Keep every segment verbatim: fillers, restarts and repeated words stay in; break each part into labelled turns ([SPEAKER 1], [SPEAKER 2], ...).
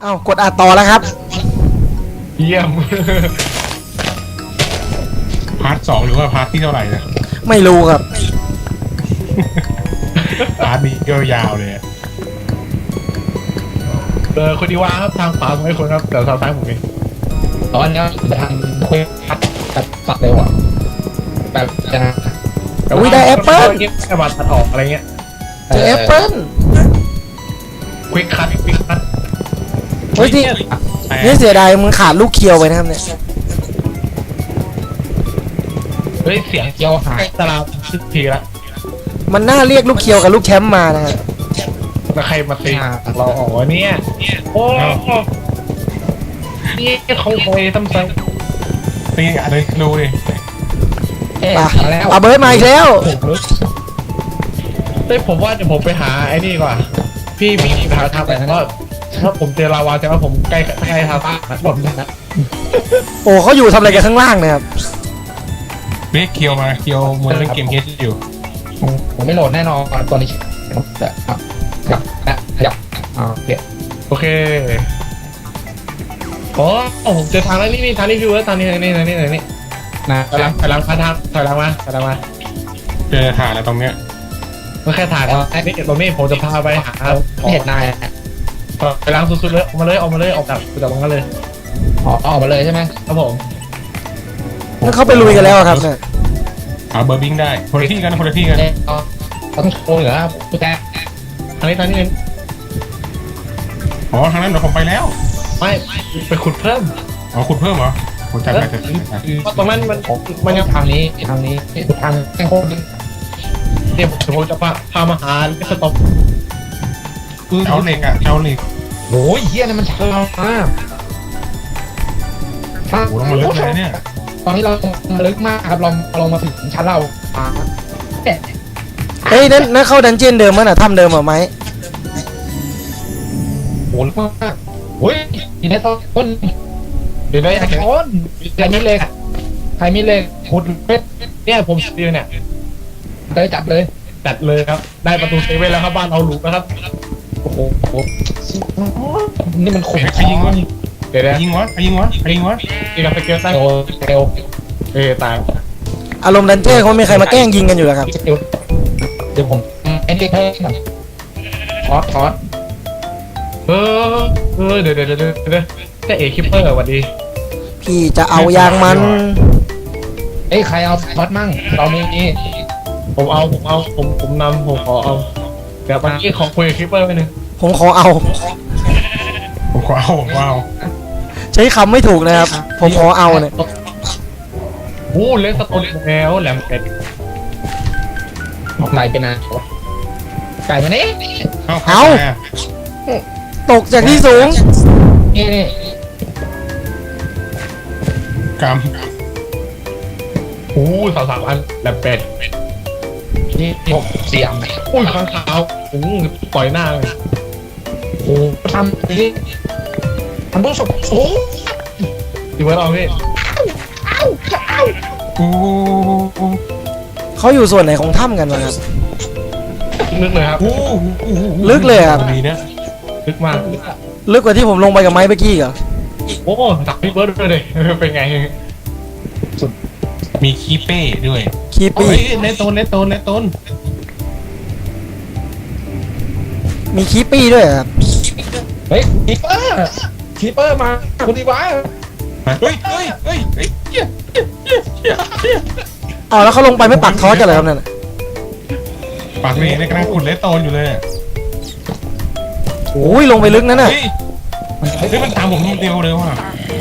[SPEAKER 1] อ้าวกดอัดต่อแล้วครับ
[SPEAKER 2] เยี่ยมพาร์ทสองหรือว่าพาร์ทที่เท่าไหร่นะ
[SPEAKER 1] ไม่รู้ครับ
[SPEAKER 2] พาร์ทนี้ก็ยาวเลยเออคนดีว่าครับทางขวาผมให้คนครับแต่ทางซ้ายผมเอง
[SPEAKER 3] ตอนนี้จะทำคุยพัดแบบตัดเร็วอ่ะแบบจะ
[SPEAKER 1] อุ้ยได้แอปเปิ้ล
[SPEAKER 2] แค่บัตรตัดออกอะไรเงี้ย
[SPEAKER 1] เจอแอปเปิ้ล
[SPEAKER 2] ควิกคัทควิกคัท
[SPEAKER 1] เฮ้ยที่นี่เสียดายมึงขาดลูกเคียวไปนะครับเนี่ย
[SPEAKER 2] เฮ้ยเสียงเคียวหายตลาดสิบทีละ
[SPEAKER 1] มันน่าเรียกลูกเคียวกับลูกแชมป์มานะฮะ
[SPEAKER 2] แล้วใครมาตีเราออกวะเนี่ยโอ้นี่เขาคอยทำไมตีอะไรรู้ดิ
[SPEAKER 1] ป่ะเอาเบิร์ดมาอีกแล้ว
[SPEAKER 2] เฮ้ยผมว่าจะผมไปหาไอ้นี่ก่อนพี่มีไปหาทางไปก็ถ้าผมเจอลาวาจะว่าผมใกล้ใกล้ทางบ้านหมดนะ
[SPEAKER 1] โอ้เขาอยู่ทำอะไรกันข้างล่างนะครับ
[SPEAKER 2] เรียกเคียวมาเคียวเหมือนเล่นเกมเฮดอยู่
[SPEAKER 3] ผมไม่โหลดแน่นอนตัวนี้แต่ครับครับนะขยับอ่าโอเค
[SPEAKER 2] โอเคโอ้ผมเจอทางแล้วนี่นี่ทางนี้พี่เวิร์ดทางนี้ทางนี้ทางนี้ทางนี้นะถอยหลังถอยหลังพาทางถอยหลังมาถอยหลังมาเจอถ่านแล้วตรงเนี้ยไม่แค่ถ่านไอ้นี่ตรงนี้ผมจะพาไปหา
[SPEAKER 3] เห็นนาย
[SPEAKER 2] ถอยหลังสุดๆเลยออกมาเลยออกมาเลยออกจากจากตรงนั้นเลย
[SPEAKER 3] ออกออกมาเลยใช่ไหม
[SPEAKER 2] ครับผม
[SPEAKER 1] นั่นเขาไปลุยกันแล้วครับเนี่ย
[SPEAKER 2] หาเบอร์บิงได้คนละที่กันคนละที่กัน
[SPEAKER 3] ต้องโชว์เหรอตุ๊กแก
[SPEAKER 2] ทางนี้ทางนี้อ๋อทางนั้นเดี๋ยวผมไปแล้วไม่ไปขุดเพิ่มอ๋อขุดเพิ่มเหรอผมจำได้แต่ตรงนั้นมันมันยัง
[SPEAKER 3] ทางนี้ทางนี้ทางแค่โคตร
[SPEAKER 2] เดี๋ยวผมจะพาพามาหาลิสต็อปเอาเหล็กอ่ะเอาเหล็ก
[SPEAKER 3] โอ้ยเฮียนี่มันช้ามาก
[SPEAKER 2] โอ้โหลงมาลึกเลยเนี่ย
[SPEAKER 3] ตอนนี้เราลึกมากครับเราเรามาถึงชั้นเรา
[SPEAKER 1] เฮ้ยนั่นนั่นเข้าดันเจียนเดิมมั้ยน่ะถ้ำเดิมเหรอไหม
[SPEAKER 3] โหมากโอ้ยทีนี้ต้น
[SPEAKER 2] เดี๋ยวได้
[SPEAKER 3] ไอ้ต้นใครมีเหล็กใครมีเหล็กขุดเป็ด
[SPEAKER 2] เนี่ยผมเดียวเนี่ย
[SPEAKER 3] เลยจัดเลย
[SPEAKER 2] จัดเลยครับได้ประตูเซเว่นแล้วครับบ้านเอาหลุมนะครับ
[SPEAKER 3] โอ้โหนี่มันขุด
[SPEAKER 2] ใครยิงวะเดี๋ยวยิงวะใครยิงวะใครยิงวะยิงกับสเกลตั้ง
[SPEAKER 3] เร็ว
[SPEAKER 2] เออตาย
[SPEAKER 1] อารมณ์ดันเจ้เขามีใครมาแกล้งยิงกันอยู่แล้วครับ
[SPEAKER 3] เดี๋ยวผมเอ็นดีเพิ่มทอสทอส
[SPEAKER 2] เออเออเดี๋ยวเดี๋ยวเดี๋ยวเดี๋ยวจะเอคิปเปอร์สวัสดี
[SPEAKER 1] พี่จะเอายางมัน
[SPEAKER 3] เอ้ยใครเอาทอสมั่งเรามีนี่
[SPEAKER 2] ผมเอาผมเอาผมผมนำผมขอเอาเดี๋ยวเมื่อกี้ขอคุยกับคิปเปอร์ไปหนึ่ง
[SPEAKER 1] ผมขอเอา
[SPEAKER 2] ผมขอเอาผมขอเอา
[SPEAKER 1] ใช้คำไม่ถูกนะครับผมขอเอาเนี่ย
[SPEAKER 2] โอ้เล่นสโตนแล้วแหลมเป็ด
[SPEAKER 3] ไก่เป็นนะไก่มานี่
[SPEAKER 1] เอาตกจากที่สูง
[SPEAKER 3] นี่นี่
[SPEAKER 2] กำโอ้สาวสามอันแหลมเป็ด
[SPEAKER 3] นี่หกเสียง
[SPEAKER 2] อุ้ยข้างขาวโอ้ปล่อยหน้าเลย
[SPEAKER 3] โอ้ทำนี่ทำต้องสุกโอ้
[SPEAKER 2] ดีเว้ยเราพี่โอ้
[SPEAKER 1] เขาอยู่ส่วนไหนของถ้ำกันวะครับ
[SPEAKER 2] ลึกเลยครับ
[SPEAKER 1] ลึกเลยครับ
[SPEAKER 2] ดีนะลึกมาก
[SPEAKER 1] ลึกกว่าที่ผมลงไปกับไม้เมื่อกี้เหรอ
[SPEAKER 2] โอ้ตักพี่เบิร์ดด้วยเลยเป็นไงสุดมีคีเป้ด้วย
[SPEAKER 1] คีปี้
[SPEAKER 2] ในต้นในต้นในต้น
[SPEAKER 1] มีคีปี้ด้วยครับ
[SPEAKER 3] เฮ้ยคีเปอร์คีเปอร์มาคุณดีวะ
[SPEAKER 2] เฮ้ยเฮ้ยเฮ้ยเฮ้ย
[SPEAKER 1] อ๋อแล้วเขาลงไปไม่ปักทอสกันเลยครับนั่น
[SPEAKER 2] ปักนี่ในกระดานขุดเลสโตนอยู่เลย
[SPEAKER 1] โอ้ยลงไปลึกนั่นน่ะ
[SPEAKER 2] เฮ้ยมันตามผมคนเดียวเลยว่ะ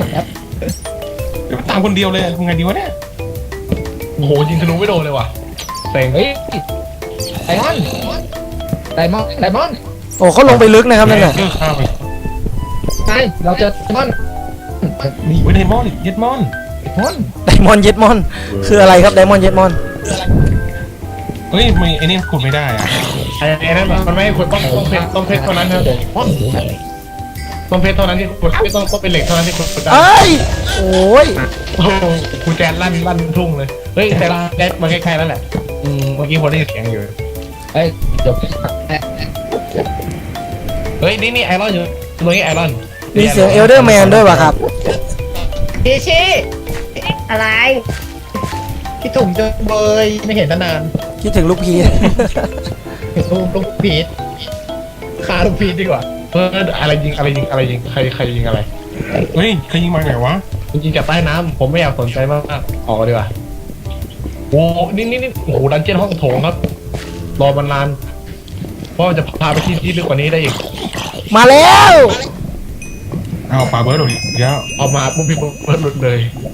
[SPEAKER 2] มันตามคนเดียวเลยทำไงดีวะเนี่ยโอ้โหยิงธนูไม่โดนเลยว่ะเต็ง
[SPEAKER 3] เฮ้ยไดมอนด์ไดมอนด์ไดมอนด์
[SPEAKER 1] โอ้เขาลงไปลึกนะครับนั่นน่ะ
[SPEAKER 3] ใช่เราเจอไดมอนด์
[SPEAKER 2] มีไดมอนด์เย็ดมอนด์
[SPEAKER 1] ไดมอนด์เย็ดมอนด์คืออะไรครับไดมอนด์เย็ดมอนด์
[SPEAKER 2] เฮ้ยไม่ไอ้นี่ขุดไม่ได้อะไอ้นั่นมันไม่ขุดต้องต้องเพชรต้องเพชรเท่านั้นครับต้องเพชรเท่านั้นที่ขุดไม่ต้องต้องเป็นเหล็กเท่านั้นที่ขุดได้
[SPEAKER 1] เอ้ยโอ้ย
[SPEAKER 2] โอ้คุณแจนลั่นลั่นทุ่งเลยเฮ้ยแต่แจนมาใกล้ๆแล้วแหละอืมเมื่อกี้ผมได้ยินเสียงอยู่
[SPEAKER 3] เฮ้ยจบ
[SPEAKER 2] เฮ้ยนี่นี่ไอรอนอยู่ตรงนี้ไอรอน
[SPEAKER 1] มีเสียงเอลเดอร์แมนด้วยวะครับ
[SPEAKER 4] พี่ชิอะไรพี่ถุงจนเบยไม่เห็นนาน
[SPEAKER 1] คิดถึงลูกพี
[SPEAKER 4] ๆลูกลูกพีทฆ่าลูกพีทดีกว่า
[SPEAKER 2] เอออะไรยิงอะไรยิงอะไรยิงใครใครยิงอะไร
[SPEAKER 5] เฮ้ยใครยิงมาไหนวะ
[SPEAKER 2] ยิงจากใต้น้ำผมไม่อยากสนใจมากๆออกดีกว่าโอ้นี่นี่นี่โอ้โหดันเจี้ยนห้องโถงครับ รอมันนานเพราะมันจะพาไปที่ที่ลึกกว่านี้ได้อีก
[SPEAKER 1] มาแล้ว
[SPEAKER 5] เอาปลาเบิร์ดหลุดอีกแล้ว
[SPEAKER 2] ออกมาปุ๊บพี่เบิร์ดหลุดเลย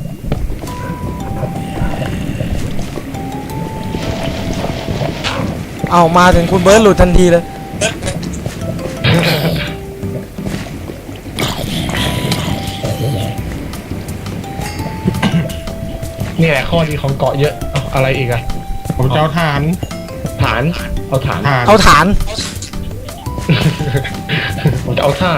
[SPEAKER 1] เอามาถึงคุณเบิร์ดหลุดทันทีเลย
[SPEAKER 2] นี่แหละข้อดีของเกาะเยอะเอาอะไรอีกอะ
[SPEAKER 5] ผมจะเอาฐาน
[SPEAKER 2] ฐานเอาฐาน
[SPEAKER 5] ฐาน
[SPEAKER 1] เอาฐาน
[SPEAKER 2] ผมจะเอาฐาน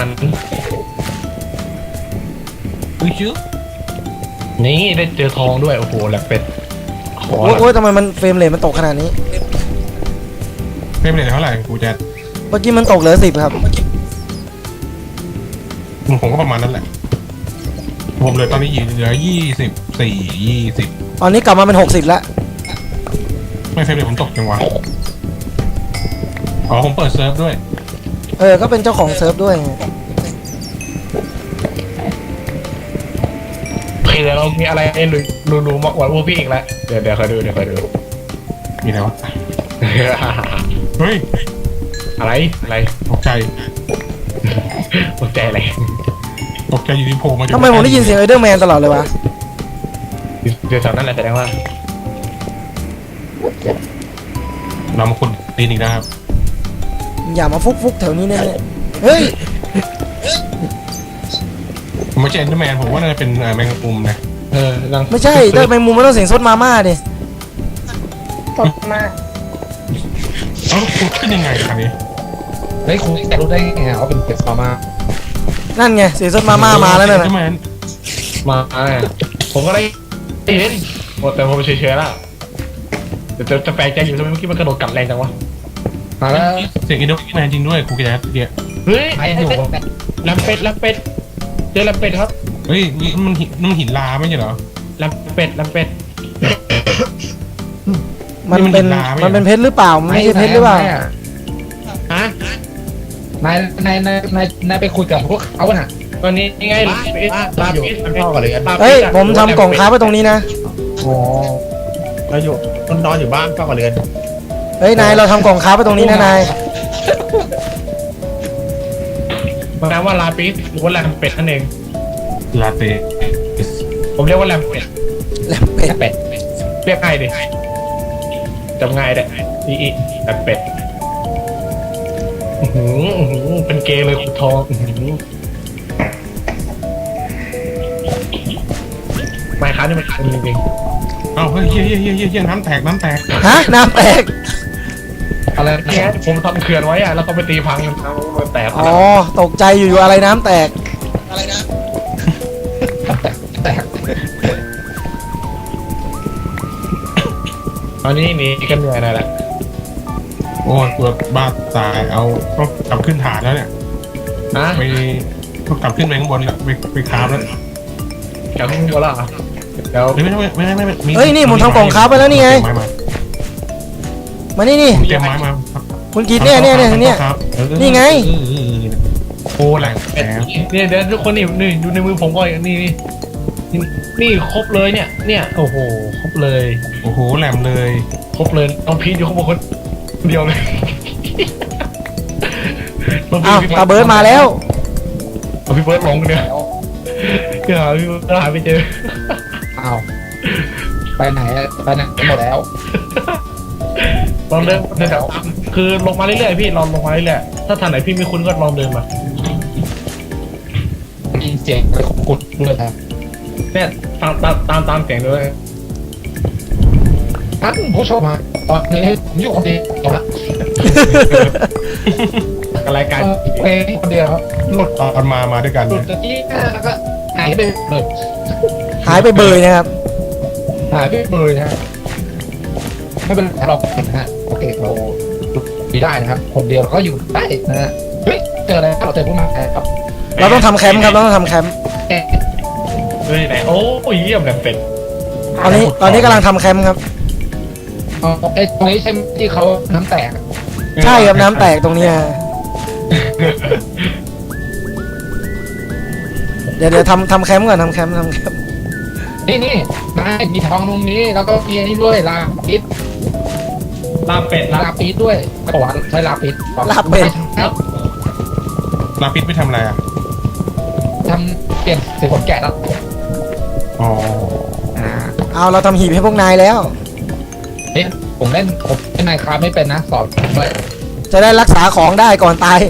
[SPEAKER 5] อุ้ยชื่อ
[SPEAKER 2] นี่ได้เจอทองด้วยโอ้โหแหลกเป็ดขอ
[SPEAKER 1] โอ้ย
[SPEAKER 2] ละ
[SPEAKER 1] โอ้ยทำไมมันเฟรมเรทมันตกขนาดนี้
[SPEAKER 5] เป็นไปได้เท่าไหร่กูจะ
[SPEAKER 1] เมื่อกี้มันตกเหลือสิบครับ
[SPEAKER 5] ผมก็ประมาณนั้นแหละ ผมเหลยตอนนี้เหลือยี่สิบสี่ยี่สิบ
[SPEAKER 1] ตอนนี้กลับมาเป็นหกสิบแล้ว
[SPEAKER 5] ไม่เฟรมเรทผมตกจังวะอ๋อผมเปิดเซิร์ฟด้วย
[SPEAKER 1] เออ ก็เป็นเจ้าของเซิร์ฟด้วยไง
[SPEAKER 2] โอเคเดี๋ยวเรามีอะไรลุยรูรูมากกว่าพวกพี่อีกแล้วเดี๋ยวเดี๋ยวคอยดูเดี๋ยวคอยดู
[SPEAKER 5] มีอะไรวะเฮ้ย
[SPEAKER 2] อะไรอะไร
[SPEAKER 5] ตกใจ
[SPEAKER 2] ตกใจอะไร
[SPEAKER 5] ตกใจอยู่ที่โผล่มาจาก
[SPEAKER 1] ทำไมผมได้ยินเสียงเอลเดอร์แมนตลอดเลยวะ
[SPEAKER 2] เดี๋ยวแถวนั้นแหละแสดงว่า
[SPEAKER 5] เรามาขุดดินอีกนะครับ
[SPEAKER 1] อย่ามาฟุกฟุกๆแถวนี้แน่ๆเฮ้ย
[SPEAKER 5] ผมไม่ใช่เอ็นเดอร์แมนผมว่าน่าจะเป็นเอ่อแมงมุมนะ
[SPEAKER 2] เออลัง
[SPEAKER 1] ไม่ใช่ถ้าเป็นมุมมันต้องเสียงซดมาม่าดิ
[SPEAKER 4] สดมาก
[SPEAKER 5] เอ้าขุดขึ้นยังไงครับนี้
[SPEAKER 3] เฮ้ยคุณจะรู้ได้ไงว่าเป็นเป็ดมามา
[SPEAKER 1] นั่นไงเสียงซดมาม่ามาแล้วนั่น
[SPEAKER 5] เอ็
[SPEAKER 1] น่ะ
[SPEAKER 5] นเดอร์แมน
[SPEAKER 2] มาเนี่ยผมก็ได้เห็นหมดแต่ผมเฉยๆแล้วเดี๋ยวจะจะแปลกใจอยู่ทำไมเมื่อกี้มันกระโดดกัดแรงจังวะ
[SPEAKER 3] มาแล้ว
[SPEAKER 5] เสียงเอ็นเดอร์แมนจริงด้วยครูแจ๊ดเดีย
[SPEAKER 2] เฮ้ย
[SPEAKER 3] ไอ้อยู่
[SPEAKER 2] แลมเป็ดแลมเป็ดเจอแลมเป็ดครับ
[SPEAKER 5] เฮ้ยนี่มันหินมันหินลาไม่ใช่เหรอ
[SPEAKER 2] แลมเป็ดแลมเป็ด
[SPEAKER 1] มันเป็น
[SPEAKER 5] นี่มันหินลาไหม
[SPEAKER 1] มันเป็นเพชรหรือเปล่ามันไม่ใช่เพชรหรือเปล่า
[SPEAKER 2] ฮะ
[SPEAKER 3] นายนายนายนายนายไปคุยกับพวกเขาน่ะ
[SPEAKER 2] ตอนนี้ยังไงลาปิดลาปิดมันพ่อกันเลย
[SPEAKER 1] เฮ้ยผมทำกล่องค้าไว้ตรงนี้นะ
[SPEAKER 3] อ๋อ
[SPEAKER 4] เราอยู่นนอนอยู่บ้านเฝ้ากับเรือน
[SPEAKER 1] เฮ้ยนายเราทำกล่องค้าไว้ตรงนี้นะนาย
[SPEAKER 2] แปลว่าลาปิดหรือว่าแลมเป็ดนั่นเอง
[SPEAKER 5] ลาเต้
[SPEAKER 2] ผมเรียกว่าแลมเป็ด
[SPEAKER 1] แล้วเป็ด
[SPEAKER 3] เป็ด
[SPEAKER 2] เรียกง่ายดิจำง่ายได้อีอีแลมเป็ดอื้อหืออื้อหือเป็นเกย์เลยคุณทองอื้อหือไม่ครับนี่มันคันจริง
[SPEAKER 5] เอ้าเฮ้ยเฮียเฮียเฮียเฮียเฮียน้ำแตกน้ำแตก
[SPEAKER 1] ฮะน้ำแตก
[SPEAKER 3] อะไร
[SPEAKER 2] ๆเนี่ยผมทำเขื่อนไว้อะแล้วก็ไปตีพังมันเอามันแตก
[SPEAKER 1] อ๋อตกใจอยู่ๆอะไรน้ำแตก
[SPEAKER 3] แตก
[SPEAKER 2] ตอนนี้หนีกันเหนื่อยหน่อยแหละ
[SPEAKER 5] โอ้ยปวดบ้าตายเอาต้องกลับขึ้นฐานแล้วเนี่ย
[SPEAKER 2] ฮะ
[SPEAKER 5] ไปต้องกลับขึ้นไปข้างบนแล้วไปไปคราฟแล้ว
[SPEAKER 2] กลับขึ้นบนแล้วเหรอเดี๋ยว
[SPEAKER 5] ไม่ไม่ไม่ไม่ไม่ไม่มี
[SPEAKER 1] เฮ้ยนี่ผมทำกล่องค้าไปแล้วนี่ไง
[SPEAKER 5] เตรียมไม้มา
[SPEAKER 1] มานี่นี่
[SPEAKER 5] เตรียมไม้มา
[SPEAKER 1] คุณกินเนี่ยเนี่ยเนี่ยเนี่ย
[SPEAKER 5] ครับ
[SPEAKER 1] นี่ไง
[SPEAKER 2] โอ้แหละเนี่ยเดี๋ยวทุกคนนี่นี่ดูในมือผมก่อนนี่นี่นี่นี่ครบเลยเนี่ย เนี่ยโอ้โหครบเลย
[SPEAKER 5] โอ้โหแหลมเลย
[SPEAKER 2] ครบเลยน้องพีทอยู่ข้างบนคนเดียวเลยน้งพี
[SPEAKER 1] อ้าว
[SPEAKER 2] ท
[SPEAKER 1] ตาเบิร์ดมาแล้ว
[SPEAKER 2] เอาพี่เบิร์ดลงเนี่ยเดี๋ยวหาพี่เบิร์ดหาไม่เจอ
[SPEAKER 3] อ้าวไปไหนไปไหนหมดแล้ว
[SPEAKER 2] ลองเดินเดินแถวตามคือลงมาเรื่อยๆพี่ลองลงมาเรื่อยๆถ้าทางไหนพี่ไม่คุ้นก็ลองเดินมา
[SPEAKER 3] มีเสียงอะไรของกุดด้วยนะ
[SPEAKER 2] เนี่ยตามตามตามตามเสียงด้วย
[SPEAKER 3] ท่านผู้ชมมาตอนนี้ผมอยู่คนเดียวละ
[SPEAKER 2] รายการ
[SPEAKER 3] เพลงคนเดียวครับ
[SPEAKER 5] หลุดตอนมามาด้วยกัน
[SPEAKER 3] หลุด
[SPEAKER 5] นะ
[SPEAKER 3] ตะกี้แล้วก็หายไปเลย
[SPEAKER 1] หายไปเบยนะครับ
[SPEAKER 3] หายไปเลยนะฮะไม่เป็นไรเรานะฮะโอเคเราดีได้นะครับคนเดียวเราก็อยู่ได้นะฮะเฮ้ยเจออะไรเราเจอพวกมาครับ
[SPEAKER 1] เราต้องทำแคมป์ครับเราต้องทำแคมป์
[SPEAKER 2] เฮ้ยไหนโอ้ยเยี่ยมแบบเป็ด
[SPEAKER 1] ตอนนี้ตอนนี้กำลังทำแคมป์ครับ
[SPEAKER 3] อ๋อไอ้ตรงนี้ใช่ไหมที่เขาน้ำแตก
[SPEAKER 1] ใช่ครับน้ำแตกตรงเนี้ยเดี๋ยวเดี๋ยวทำทำแคมป์ก่อนทำแคมป์ทำแคมป์
[SPEAKER 3] นี่นี่นายมีทองตรงนี้แล้วก็มีอันนี้ด้วยลาปิด
[SPEAKER 2] ลาบเป็ด
[SPEAKER 3] ลาปิดด้วยบอกว่าใช้ลาปิด
[SPEAKER 1] ลาบเป็ด
[SPEAKER 3] ครับ
[SPEAKER 5] ลาปิดไปทำอะไรอ่ะ
[SPEAKER 3] ทำเปลี่ยนสีขนแกะแล้ว
[SPEAKER 5] อ๋อ
[SPEAKER 3] อ่า
[SPEAKER 1] เอาเราทำหีบให้พวกนายแล้ว
[SPEAKER 3] เฮ้ยผมเล่นผมเล่นไมค์คราฟไม่เป็นนะสอนผมด้วย
[SPEAKER 1] จะได้รักษาของได้ก่อนตาย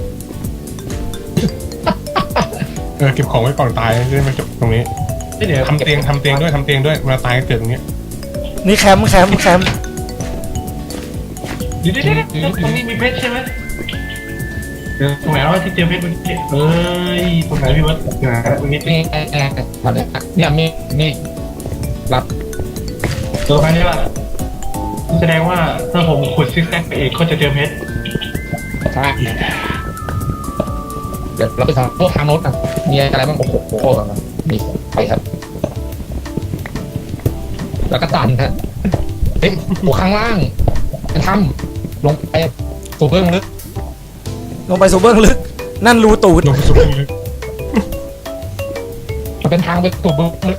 [SPEAKER 5] เออเก็บของไว้ก่อนตายจะได้ไม่จบตรงนี้
[SPEAKER 2] เดี๋ยว
[SPEAKER 5] ทำเตียงทำเตียงด้วยทำเตียงด้วยเวลาตายก็เกิดตรงนี้
[SPEAKER 1] นี่แคมป์แคมป์แคมป์
[SPEAKER 2] เดี๋ยวเดี๋ยวเดี๋ยวตรงนี้มีเพชรใช่ไหมเดี๋ยวตรงไหนวะที่เจอเพชรเมื่อกี้เอ้ยตรงไหนพี่วัดตรงไหนตรงนี้
[SPEAKER 3] นี่แอร์ตอนนี้เนี่ยมีนี่รับ
[SPEAKER 2] ตัวใครนี่ล่ะแสดงว่าถ้าผมขุดซิกแซกไปเองก็จะเจอเพชร
[SPEAKER 3] ใช่เดี๋ยวเราไปทำพวกทางโน้ตอ่ะมีอะไรบ้างโอ้โหโอ้โหนี่ไปครับ แล้วก็ตันฮะเฮ้ยหัวข้างล่างเป็นถ้ำลงไปสู่เบื้องลึก
[SPEAKER 1] ลงไปสู่เบื้องลึก นั่นรูตูด
[SPEAKER 5] ลงสุดเลย
[SPEAKER 3] มันเป็นทางไปสู่เบื้องลึก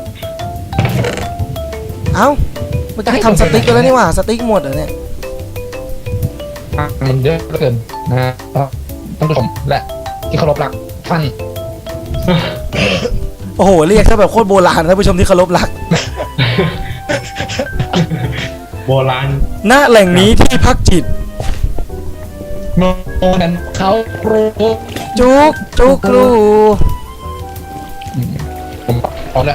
[SPEAKER 1] เอ้ามันจะให้ทำสติ๊กกันแล้วนี่หว่าสติ๊กหมดเหรอเนี่ย
[SPEAKER 3] ทางมันเยอะเหลือเกินนะฮะท่านผู้ชมและที่เคารพรักท่าน
[SPEAKER 1] โอ้โหเรียกซะแบบโคตรโบราณท่านผู้ชมที่เคารพรัก
[SPEAKER 2] โบราณ
[SPEAKER 1] ณแหล่งนี้ที่พักจิต
[SPEAKER 3] โน่นนั้นเขาครู
[SPEAKER 1] จุกจุกรู
[SPEAKER 3] ผมพร้อมแล้ว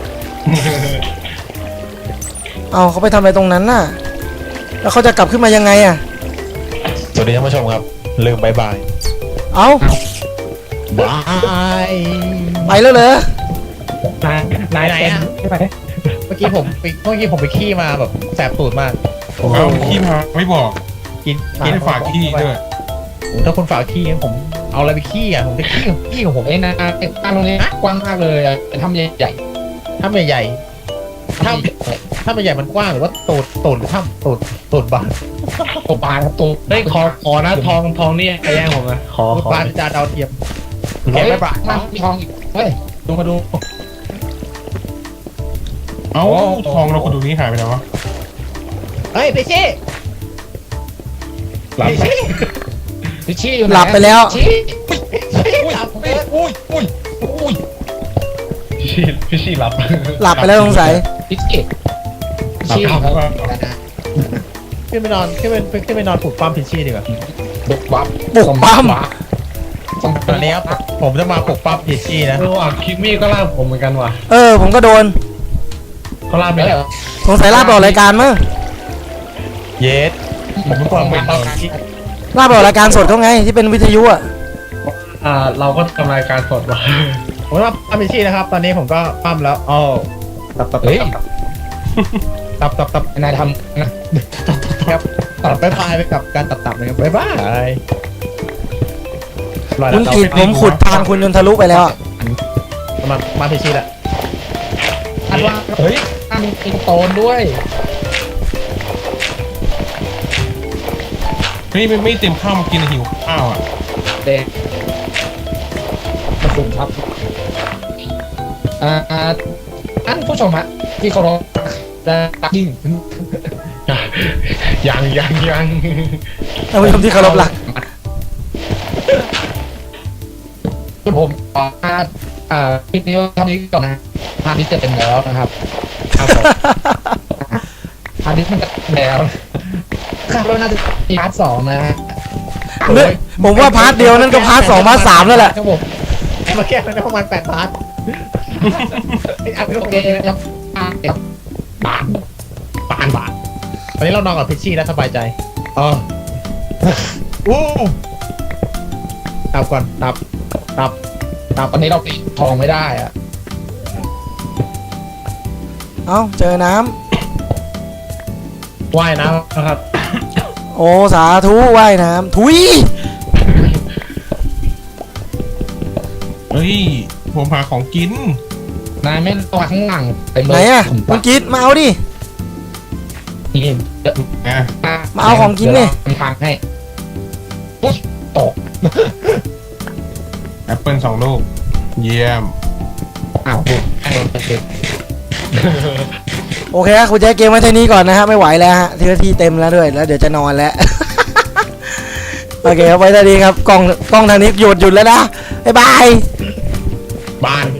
[SPEAKER 1] เอาเขาไปทำอะไรตรงนั้นน่ะ แล้วเขาจะกลับขึ้นมายังไงอ่ะ
[SPEAKER 6] สวัสดีท่านผู้ชมครับลืมบายบาย
[SPEAKER 1] เอา
[SPEAKER 4] บาย
[SPEAKER 1] ไปแล้วเหรอน
[SPEAKER 2] าย
[SPEAKER 4] นายไหนอ่ะเมื่อกี้ผมไปเมื่อกี้ผมไปขี้มาแบบแสบตูดมาก
[SPEAKER 5] เอาขี้มาไม่บอก
[SPEAKER 4] กิน
[SPEAKER 5] กินฝากขี้ด้วย
[SPEAKER 4] โอ้ถ้าคุณฝากขี้ผมเอาอะไรไปขี้อ่ะผมจะขี้ขี้ของผม
[SPEAKER 3] ไอ้นาไอ้ทางตรงนี้กว้างมากเลยอะเป็นถ้ำใหญ่
[SPEAKER 4] ถ้าไม่ใหญ่
[SPEAKER 3] ๆถ้ำ
[SPEAKER 4] ถ้าไม่ใหญ่มันกว้างหรือว่าตูดตูดหรือถ้ำตูดตูดบาน
[SPEAKER 3] ตัวปลาครับตัว
[SPEAKER 2] เฮ้ยขอขอนะทองทองนี่ใครแย่งผมนะขอ
[SPEAKER 4] ตูด
[SPEAKER 2] ขอบ
[SPEAKER 4] านจานดาวเทียม
[SPEAKER 3] เฮ้ย
[SPEAKER 4] ไม่บาด
[SPEAKER 3] มันมีทองอีกเฮ้ยดูมาดู
[SPEAKER 5] เอ้าทองเราคนดูนี้หายไปแล้ววะ
[SPEAKER 4] เฮ้ยไปชี้
[SPEAKER 5] หลับ
[SPEAKER 4] ไปชี้
[SPEAKER 3] พิชชี่อยู่ไหน
[SPEAKER 1] หลับไปแล้ว
[SPEAKER 3] ชี้
[SPEAKER 4] อุ้ยหลับไป
[SPEAKER 3] อุ้ยอุ้ยอุ้ย
[SPEAKER 2] พี่ชีพี่ชีหลับ
[SPEAKER 1] หลับไปแล้วสงสัย
[SPEAKER 3] พิชชี่พิชชี่
[SPEAKER 5] หลับ
[SPEAKER 3] ครับ
[SPEAKER 5] ก็
[SPEAKER 4] ขึ้นไปนอนขึ้นไปขึ้นไปนอนปลุกปั้มพิชชี่ดีกว่า
[SPEAKER 3] บุกวับ
[SPEAKER 1] ปลุกปั้ม
[SPEAKER 3] ส่ง
[SPEAKER 4] ตอนนี้ครับผมจะมาปลุกปั้มพิชชี่นะ
[SPEAKER 2] เออว่ะคิกมี่ก็ล่าผมเหมือนกันว่ะ
[SPEAKER 1] เออ ผมก็โดน
[SPEAKER 2] เขาล่าไป
[SPEAKER 3] ไม่
[SPEAKER 2] แล้
[SPEAKER 3] เหร
[SPEAKER 2] ว
[SPEAKER 3] อ
[SPEAKER 1] สงสัยลาบออกรายการมั้ง
[SPEAKER 6] เยส
[SPEAKER 4] ผมไม่กลัวไม่ตอน
[SPEAKER 1] ลาบออกรายการสดเขาไงที่เป็นวิทยุอ่ะ
[SPEAKER 2] อ่าเราก็ทำรายการสดว่ะ
[SPEAKER 4] ผมว่าปั้มพิชชี่นะครับ ตอนนี้ผมก็ปั้มแล้วอ๋อตับตับ
[SPEAKER 3] เฮ้ย
[SPEAKER 4] ตับตับตับ
[SPEAKER 3] นายทำนะ
[SPEAKER 4] ครับตัดไปพายไปกับการตัดตับนะครับบ๊ายบายรอยแล้
[SPEAKER 1] คุ
[SPEAKER 4] ว
[SPEAKER 1] ณ
[SPEAKER 4] เรา
[SPEAKER 1] กิดผมขุดทางคุณจนทะลุไปแล้วอะ
[SPEAKER 4] มามาพิชชี่ละ
[SPEAKER 3] อันว่าเฮ้ยอันเป็นโตนด้วย
[SPEAKER 5] เฮ้ยไม่ไม่เต็มข้าวมากินหิวข้าวอ่ะ
[SPEAKER 3] เด็กขอบคุณครับอ่าท่านผู้ชมฮะที่เคารพและรักยิ่ง
[SPEAKER 2] ยังยังยัง
[SPEAKER 1] ท่านผู้ชมที่เคารพรัก
[SPEAKER 3] ผมขอพาดอ่าคลิปนี้เท่านี้ก่อนนะพาร์ทนี้จะเป็นแล้วนะครับครับผมพาร์ทนี้มันจะเป็นแล้วคาดว่าน่าจะมีพาร์ทสองนะฮะ
[SPEAKER 1] เนี่ยผมว่าพาร์ทเดียวนั่นก็พาร์ทสองพาร์ทสามแล้วแหละ
[SPEAKER 3] ครับผม
[SPEAKER 4] มาแก้มันได้ประมาณแปดพาร์ทไอ้อันนี้
[SPEAKER 3] โอ
[SPEAKER 4] โอ
[SPEAKER 3] เค
[SPEAKER 4] เค
[SPEAKER 3] นะครับอ่าเดี๋ยวบานบานบาน
[SPEAKER 4] ตอนนี้เรานอนกับพิชชี่แล้วสบายใจอ๋ออู้ตับก่อนตับตับตับ
[SPEAKER 3] ตอนนี้เราตีทองไม่ได้อะ
[SPEAKER 1] เอ้าเจอน้
[SPEAKER 2] ว่ายน้ำนะครับ
[SPEAKER 1] ำโอ้สาธุว่ายน้ำทุย
[SPEAKER 5] เฮ้ยผมหาของกิน
[SPEAKER 3] นายไม่ต้องมาข้างหลังเต็มเล
[SPEAKER 1] ไหน
[SPEAKER 3] ย
[SPEAKER 1] อะ
[SPEAKER 3] ผม
[SPEAKER 1] มึงกินมาเอาดิ
[SPEAKER 3] นี่เดี๋ยว
[SPEAKER 5] อ่ะ
[SPEAKER 1] มาเอาของกินดิ
[SPEAKER 3] เดี๋ยวเราทำให้อุ๊ยตก
[SPEAKER 5] แอปเปิลสองลูก เยี่ยม
[SPEAKER 3] อ้าวดูแอนโดน
[SPEAKER 1] โอเคครับคุณแจ๊คเกมไว้เท่านี้ก่อนนะฮะไม่ไหวแล้วฮะที่ที่เต็มแล้วด้วยแล้วเดี๋ยวจะนอนแล้ว โอเคครับไว้เท่านี้ครับกล้องกล้องทางนี้หยุดหยุดแล้วนะบ๊ายบาย
[SPEAKER 2] บ้าน